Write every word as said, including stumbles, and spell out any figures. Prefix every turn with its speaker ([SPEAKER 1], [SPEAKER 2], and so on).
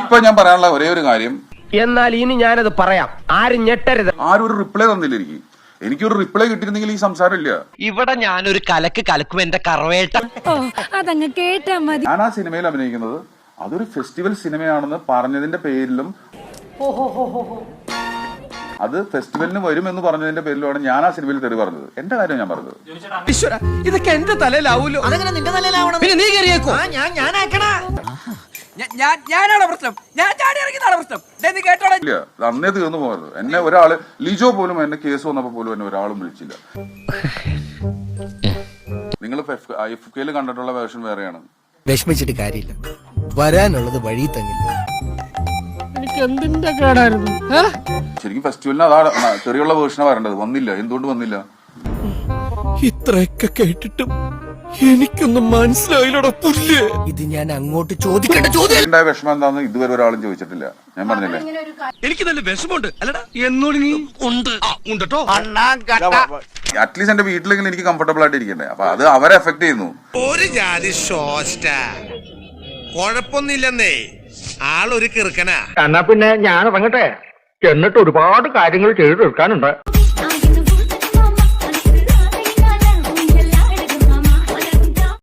[SPEAKER 1] ഇപ്പൊ ഞാൻ പറയാനുള്ള ഒരേ ഒരു കാര്യം,
[SPEAKER 2] എന്നാൽ ഇനി ഞാനത് പറയാം, ആരും ഞെട്ടരുത്.
[SPEAKER 1] ആരും ഒരു റിപ്ലൈ തന്നില്ല എനിക്ക്. എനിക്കൊരു റിപ്ലൈ കിട്ടിയിരുന്നെങ്കിൽ ഈ സംസാരം ഇല്ല.
[SPEAKER 3] ഇവിടെ ഞാനൊരു കലക്ക് കലക്കും എന്റെ കറവേട്ട.
[SPEAKER 4] അതങ്ങ് കേട്ടാ മതി.
[SPEAKER 1] ഞാൻ ആ സിനിമയിൽ അഭിനയിക്കുന്നത് അതൊരു ഫെസ്റ്റിവൽ സിനിമയാണെന്ന് പറഞ്ഞതിന്റെ പേരിലും അത് ഫെസ്റ്റിവലിന് വരുമെന്ന് പറഞ്ഞതിന്റെ പേരിലുമാണ് ഞാൻ ആ സിനിമയിൽ തെറി പറഞ്ഞത്. എന്റെ കാര്യം ഞാൻ പറഞ്ഞത്.
[SPEAKER 2] ഇതൊക്കെ എന്റെ തലയിലാവൂലോ?
[SPEAKER 5] അതെങ്ങനെ നിന്റെ തലയിലാവണം?
[SPEAKER 2] പിന്നെ നീ കയറിയേക്കോ?
[SPEAKER 5] ഞാൻ ഞാനാക്കണ
[SPEAKER 6] ഞാനാണ് പ്രശ്നം, ഞാൻ ചാടി ഇറങ്ങിയതാണ് പ്രശ്നം. നീ കേട്ടോളെ.
[SPEAKER 1] ഇല്ല, അത് അന്നേ തീർന്നു പോകരുത്. എന്നെ ഒരാള് ലിജോ പോലും എന്നെ കേസ് വന്നപ്പോ പോലും എന്നെ ഒരാളും വിളിച്ചില്ല. നിങ്ങൾ എഫ് കെയിൽ കണ്ടിട്ടുള്ള വേർഷൻ വേറെയാണ്.
[SPEAKER 7] വിഷമിച്ചിട്ട് കാര്യമില്ല, വരാനുള്ളത് വഴി തങ്ങില്ല.
[SPEAKER 8] എനിക്ക് എന്തിന്റെ കേടായിരുന്നു?
[SPEAKER 1] ശരിക്കും ഫെസ്റ്റിവലിന് അതാ ചെറിയുള്ള വേർഷനാണ് വരേണ്ടത്. വന്നില്ല. എന്തുകൊണ്ട് വന്നില്ല?
[SPEAKER 7] ഇത്രയൊക്കെ കേട്ടിട്ടും എനിക്കൊന്നും മനസ്സിലായില്ലടോ പുല്ല്. ഇത് ഞാൻ അങ്ങോട്ട് ചോദിക്കേണ്ട ചോദ്യം.
[SPEAKER 1] ഉണ്ടായ വിഷമം എന്താന്ന് ഇതുവരെ ഒരാളും ചോദിച്ചിട്ടില്ല. ഞാൻ പറഞ്ഞില്ലേ,
[SPEAKER 2] എനിക്ക് നല്ല വിഷമമുണ്ട്. അല്ലടാ എന്നോട് നീ ഉണ്ട് ഉണ്ടോ?
[SPEAKER 1] അറ്റ്ലീസ്റ്റ് എന്റെ വീട്ടിലെങ്കിലും എനിക്ക് കംഫർട്ടബിൾ ആയിട്ട് ഇരിക്കണ്ടേ. അപ്പൊ അത് അവരെ എഫക്ട് ചെയ്യുന്നു.
[SPEAKER 9] ഒരു ജാതി ഷോസ്റ്റ കൊഴപ്പൊന്നില്ലെന്നേ, ആളൊരു കിറുക്കനാ.
[SPEAKER 8] എന്നാ പിന്നെ ഞാൻ ഇറങ്ങട്ടെ, എന്നിട്ട് ഒരുപാട് കാര്യങ്ങൾ ചെയ്തു തീർക്കാനുണ്ട്.